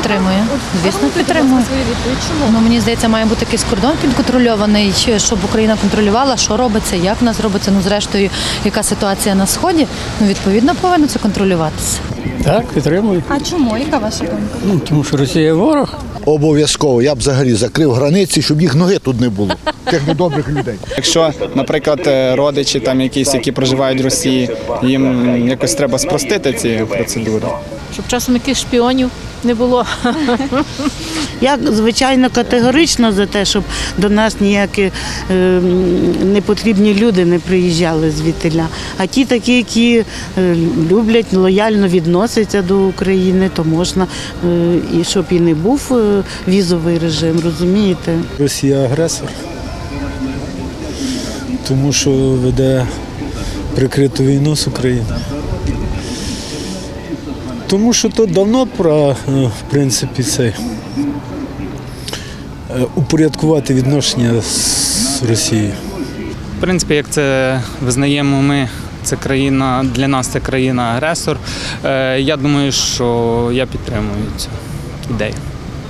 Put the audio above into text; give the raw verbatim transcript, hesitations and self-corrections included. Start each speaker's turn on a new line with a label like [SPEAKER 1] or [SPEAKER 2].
[SPEAKER 1] підтримує. Звісно, підтримує. Ну, мені здається, має бути якийсь кордон підконтрольований, щоб Україна контролювала, що робиться, як в нас робиться, ну, зрештою, яка ситуація на Сході. Ну, відповідно, повинно це контролюватися.
[SPEAKER 2] Так, підтримую.
[SPEAKER 3] А чому? Яка ваша думка?
[SPEAKER 2] Ну, тому що Росія ворог.
[SPEAKER 4] Обов'язково. Я б взагалі закрив границі, щоб їх ноги тут не було. Тих недобрих людей.
[SPEAKER 5] Якщо, наприклад, родичі там якісь, які проживають в Росії, їм якось треба спростити ці процедури.
[SPEAKER 6] Щоб часом якихось шпіонів не було.
[SPEAKER 7] Я, звичайно, категорично за те, щоб до нас ніякі е, непотрібні люди не приїжджали звідтиля. А ті такі, які е, люблять, лояльно відносяться до України, то можна, е, і щоб і не був е, візовий режим, розумієте?
[SPEAKER 8] Росія агресор, тому що веде прикриту війну з Україною. Тому що то давно пора, в принципі, цей, упорядкувати відношення з Росією.
[SPEAKER 5] В принципі, як це визнаємо ми, це країна, для нас це країна-агресор. Я думаю, що я підтримую цю ідею.